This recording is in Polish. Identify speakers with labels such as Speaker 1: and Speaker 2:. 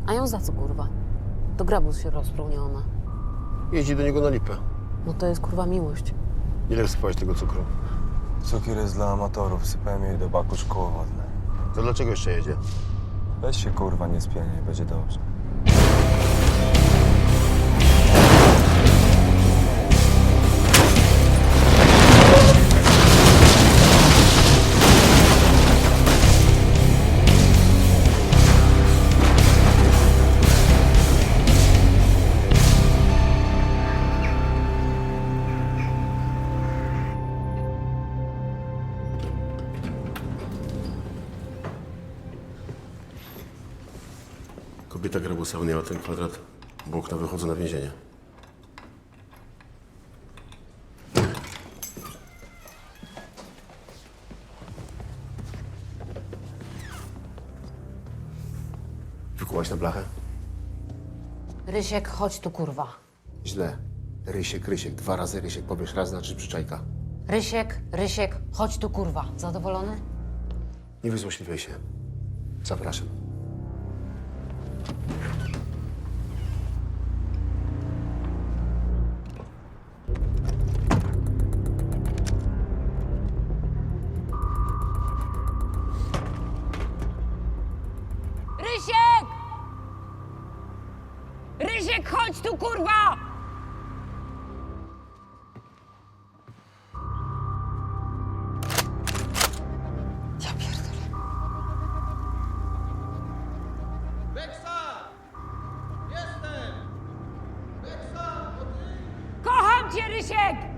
Speaker 1: A ją za co, kurwa? To grabus się rozpruł, nie ona.
Speaker 2: Jeździ do niego na lipę.
Speaker 1: No to jest, kurwa, miłość.
Speaker 2: Ile wsypałeś tego cukru?
Speaker 3: Cukier jest dla amatorów. Sypałem jej do baku szkło wodne.
Speaker 2: To dlaczego jeszcze jedzie?
Speaker 3: Weź się, kurwa, nie spieniaj, będzie dobrze.
Speaker 2: Kobieta grabusa wynęła ten kwadrat, bo okna wychodzą na więzienie. Wykułaś na blachę?
Speaker 1: Rysiek, chodź tu, kurwa.
Speaker 2: Źle. Rysiek. 2 razy Rysiek. Powiesz raz, znaczy przyczajka.
Speaker 1: Rysiek, chodź tu, kurwa. Zadowolony?
Speaker 2: Nie wyzłośliwiaj się. Zapraszam.
Speaker 1: Rysiek! Rysiek, chodź tu, kurwa! Ja pierdolę.
Speaker 4: Beksa! Jestem! Beksa, to ty?
Speaker 1: Kocham cię, Rysiek!